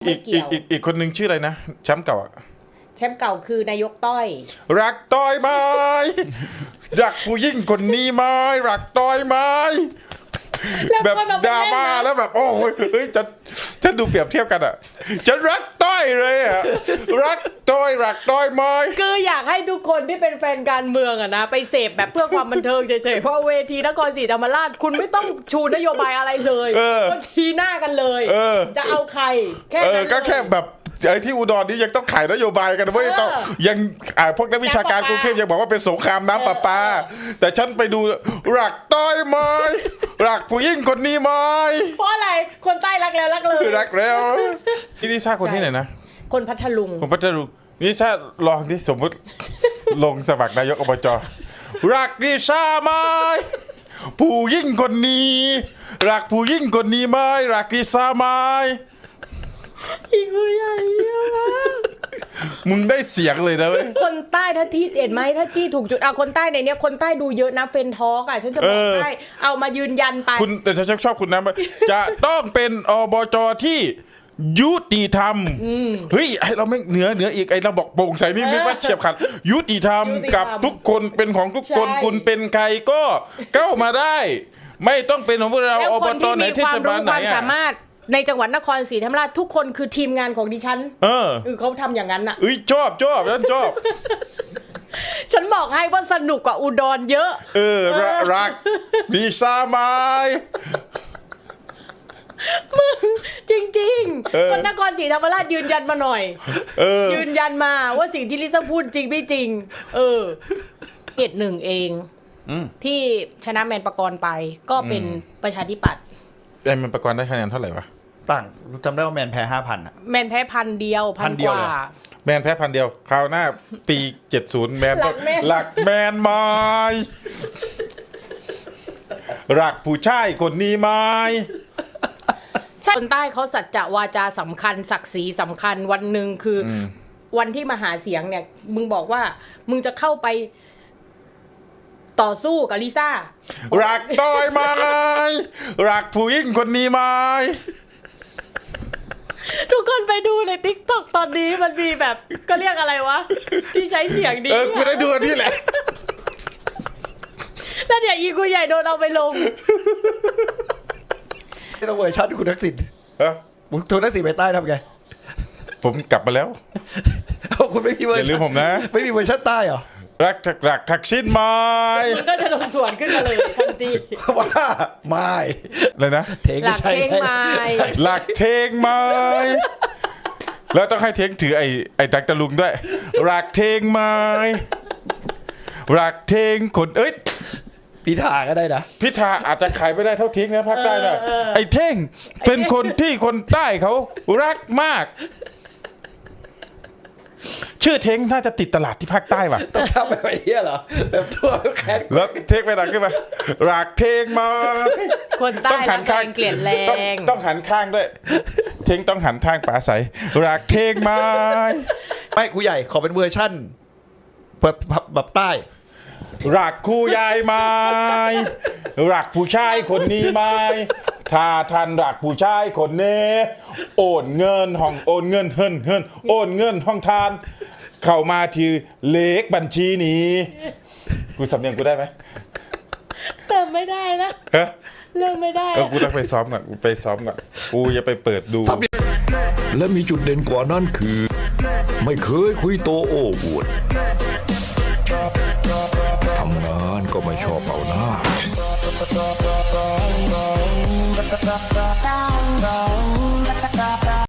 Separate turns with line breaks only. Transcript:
อีกคนนึงชื่ออะไรนะแชมป์เก่า
แชมป์เก่าคือนายกต้อย
รักต้อยไหมรักผู้ยิ่งคนนี้ไหมรักต้อยไหมแบบดราม่าแล้วแบบโอ้ยเฮ้ยจะดูเปรียบเทียบกันอ่ะจะรักต้อยเลยอ่ะรักต้อยไหม
คืออยากให้ทุกคนที่เป็นแฟนการเมืองอะนะไปเสพแบบเพื่อความบันเทิงเฉยๆเพราะเวทีนครศรีธรรมราชคุณไม่ต้องชูนโยบายอะไรเลยก็ชี้หน้ากันเลยจะเอาใครแค่นั้น
ก็แค่แบบไอ้ที่อุดรนี่ยังต้องขายนโยบายกันเว้ยต้องยังพวกนักวิชาการกรุงเทพยังบอกว่าเป็นสงครามน้ำประปาแต่ฉันไปดูรักต้อยไหมรักผู้ยิ่งคนนี้ไหม
เพราะอะไรคนใต้รักแล้วรักเลย
รักแล้วที่นิชาคนที่ไหนนะ
คนพัทลุง
นิชาลองที่สมมติลงสมัครนายกอบจรักนิชาไหมผู้ยิ่งคนนี้รักผู้ยิ่งคนนี้ไหมรักนิชาไหม
อีกใหญ่
มึงได้เสียงเลยนะเว้ย
คนใต้ถ้าที่เห็นไหมถ้าที่ถูกจุดคนใต้ในเนี้ยคนใต้ดูเยอะนะเฟนทอกฉันจะบอกให้เอามายืนยันไป
คุณแต่ฉันชอบคุณนะจะต้องเป็นอบจที่ยุติธรรมเฮ้ยไอเราไม่เหนืออีกไอเราบอกโปร่งใสนี่นึกว่าเฉียบขาดยุติธรรมกับทุกคนเป็นของทุกคนคุณเป็นใครก็เข้ามาได้ไม่ต้องเป็นของพวกเราอบจไหนที่จะมาไหน
สามารถในจังหวัดนครศรีธรรมราชทุกคนคือทีมงานของดิฉันเขาทำอย่างนั้นอ่ะ
ชอบฉันชอบ
ฉันบอกให้ว่าสนุกกว่าอุดรเยอะ
รักดีซาไม
มึงจริงๆคนนครศรีธรรมราชยืนยันมาหน่อยยืนยันมาว่าสิ่งที่ลิซ่าพูดจริงไม่จริงเขตหนึ่งเองที่ชนะแมนประกรณ์ไปก็เป็นประชาธิปัตย์
แมนประกรณ์ได้คะแนนเท่าไหร่วะ
ต่างจำได้ว่าแมนแพ้ 5,000 อ่ะ
แมนแพ้1,000 เดียว1,000 กว่า
แมนแพ้1,000 เดียวคราวหน้าปี70แมนก็หลักแมนไม้รักผู้ชายคนนี้ไหม
คนใต้เขาสัจจะวาจาสำคัญศักดิ์ศรีสำคัญวันหนึ่งคือวันที่มาหาเสียงเนี่ยมึงบอกว่ามึงจะเข้าไปต่อสู้กับลิซ่า
รักต้อยไหมรักผู้หญิงคนนี้ไหม
ทุกคนไปดูใน TikTok ตอนนี้มันมีแบบก็เรียกอะไรวะที่ใช้เสียงดี
กูได้ดูอันนี้แหละ
แล้วเดี๋ยวอีกูใหญ่โดนเอาไปลง
ไม่ต้องเวอร์ชันคุณทักษิณมึงทักษิณไปใต้ทำไง
ผมกลับมาแล้ว
คุณไม่มีเวอร์ชัน
อย่าลืมผมนะ
ไม่มีเวอร์ชันใต้เหรอ
รักทักษิณไหม
มันก็จะลงสวนขึ้นมาเลยทันที
ว่าไม่
เลยนะ
หลักเทงไม้
หลักเทงไม้แล้วต้องให้เทงถือไอ้ตักตะลุงด้วยรักเทงไม้รักเทงคน
พิธาก็ได้นะ
พิธาอาจจะขายไม่ได้เท่าเทงนะภาคใต้นะไอ้เท่งเป็นคนที่คนใต้เขารักมากชื่อเท้งน่าจะติดตลาดที่ภาคใต้ว่ะ
ต้องทำแบบนี้เหรอแบบทั่วแค
แล้วเท้งไปดังขึ้นมารักเท้งมา
คนใต้ต้องหันข้างเกลียดแรง
ต้องหันข้างด้วยเท้งต้องหันข้างปลาใสรักเท้งมา
ไม่ครูใหญ่ขอเป็นเวอร์ชั่นแบบใต้
รักครูใหญ่ไหมรักผู้ชายคนนี้ไหมถ้าท่านรักผู้ชายคนนี้โอนเงินห้องโอนเงินเฮินโอนเงินห้องทานเข้ามาที่เลขบัญชีนี้กูสำเนียงกูได้ไหม
เติมไม่ได้นะเริ่มไม่ได้
กูต้องไปซ้อมก่อนกูอย่าไปเปิดดู
และมีจุดเด่นกว่านั้นคือไม่เคยคุยโตโอ้อวดทำงานก็ไม่ชอบเอาหน้า